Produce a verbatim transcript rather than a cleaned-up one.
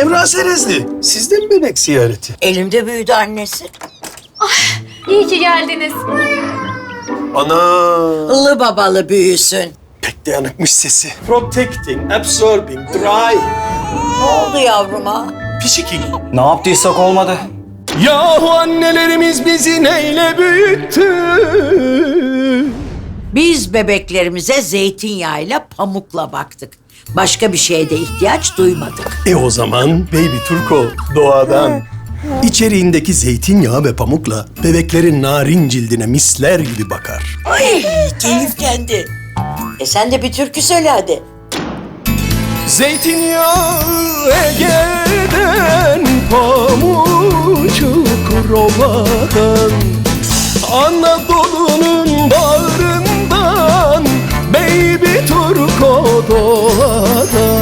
Semra Serezli, sizde mi bebek ziyareti? Elimde büyüdü annesi. İyi ki geldiniz. Ana! Ilı babalı büyüsün. Pek dayanıkmış sesi. Protecting, absorbing, dry. Ne oldu yavruma? Pişiking. Ne yaptıysak olmadı. Yahu annelerimiz bizi neyle büyüttü? Biz bebeklerimize zeytinyağıyla pamukla baktık. Başka bir şeye de ihtiyaç duymadık. E o zaman Baby Turko doğadan. İçeriğindeki zeytinyağı ve pamukla bebeklerin narin cildine misler gibi bakar. Ay keyiflendi. E sen de bir türkü söyle hadi. Zeytinyağı Ege'den, pamucuk Roma'dan, Anadolu'nun bağrından, Baby Turko doğadan.